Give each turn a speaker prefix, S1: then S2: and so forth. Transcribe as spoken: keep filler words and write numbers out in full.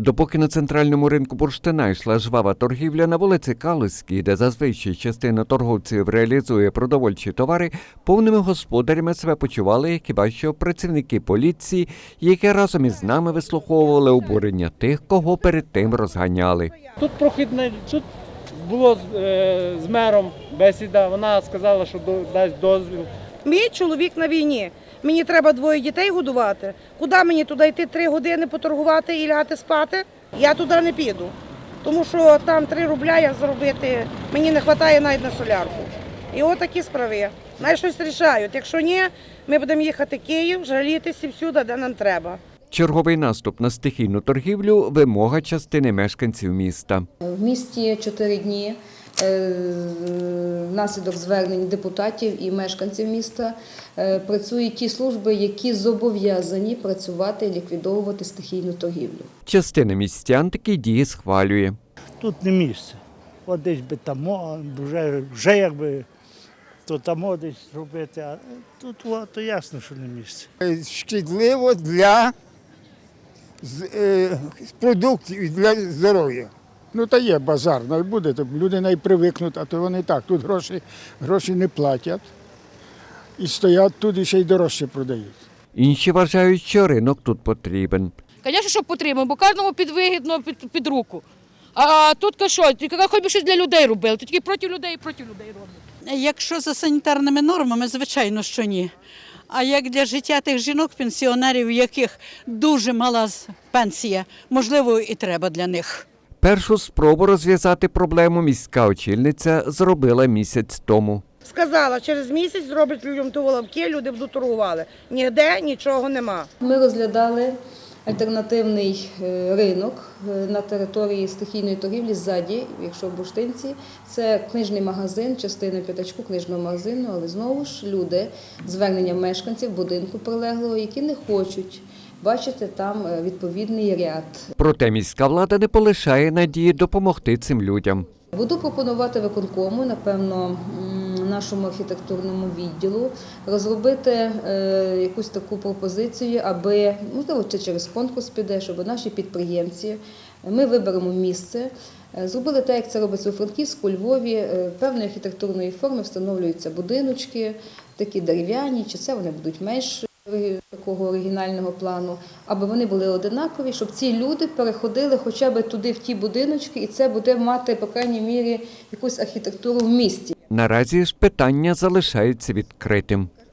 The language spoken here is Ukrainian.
S1: Допоки на центральному ринку бурштина йшла жвава торгівля, на вулиці Калузькій, де зазвичай частина торговців реалізує продовольчі товари, повними господарями себе почували хіба що працівники поліції, які разом із нами вислуховували обурення тих, кого перед тим розганяли.
S2: Тут прохідне, тут було з, е, з мером бесіда, вона сказала, що до, дасть дозвіл.
S3: Мій чоловік на війні. Мені треба двоє дітей годувати. Куди мені туди йти три години поторгувати і лягати спати? Я туди не піду. Тому що там три рубля як заробити, мені не вистачає навіть на солярку. І от такі справи. Най щось рішають. Якщо ні, ми будемо їхати в Київ, жалітися всюди, де нам треба.
S1: Черговий наступ на стихійну торгівлю – вимога частини мешканців міста.
S4: В місті чотири дні внаслідок звернень депутатів і мешканців міста працюють ті служби, які зобов'язані працювати і ліквідовувати стихійну торгівлю.
S1: Частина містян такі дії схвалює.
S5: Тут не місце. От десь би там, вже, вже якби, то там десь робити, а тут о, то ясно, що не місце.
S6: Шкідливо для е, продуктів і для здоров'я. Ну, та є базар, не буде, то люди не привикнуть, а то вони так, тут гроші, гроші не платять і стоять тут і ще й дорожче продають.
S1: Інші вважають, що ринок тут потрібен.
S7: Звісно, що потрібно, бо кожному підвигідно під, під руку. А тут що, хоч би щось для людей робили, то тільки проти людей і проти людей роблять.
S8: Якщо за санітарними нормами, звичайно, що ні. А як для життя тих жінок-пенсіонерів, у яких дуже мала пенсія, можливо, і треба для них.
S1: Першу спробу розв'язати проблему міська очільниця зробила місяць тому.
S3: Сказала, через місяць зроблять людям ту воловки, люди будуть торгували. Ніде нічого нема.
S4: Ми розглядали альтернативний ринок на території стихійної торгівлі ззаді, якщо в Бурштинці. Це книжний магазин, частина п'ятачку книжного магазину, але знову ж люди, звернення мешканців будинку прилеглого, які не хочуть бачити там відповідний ряд.
S1: Проте міська влада не полишає надії допомогти цим людям.
S4: Буду пропонувати виконкому, напевно, нашому архітектурному відділу розробити якусь таку пропозицію, аби, можливо, чи через конкурс піде, щоб наші підприємці, ми виберемо місце, зробили те, як це робиться у Франківську, у Львові, певної архітектурної форми встановлюються будиночки, такі дерев'яні, чи це вони будуть менш такого оригінального плану, аби вони були одинакові, щоб ці люди переходили хоча б туди, в ті будиночки, і це буде мати, по крайній мірі, якусь архітектуру в місті.
S1: Наразі ж питання залишається відкритим.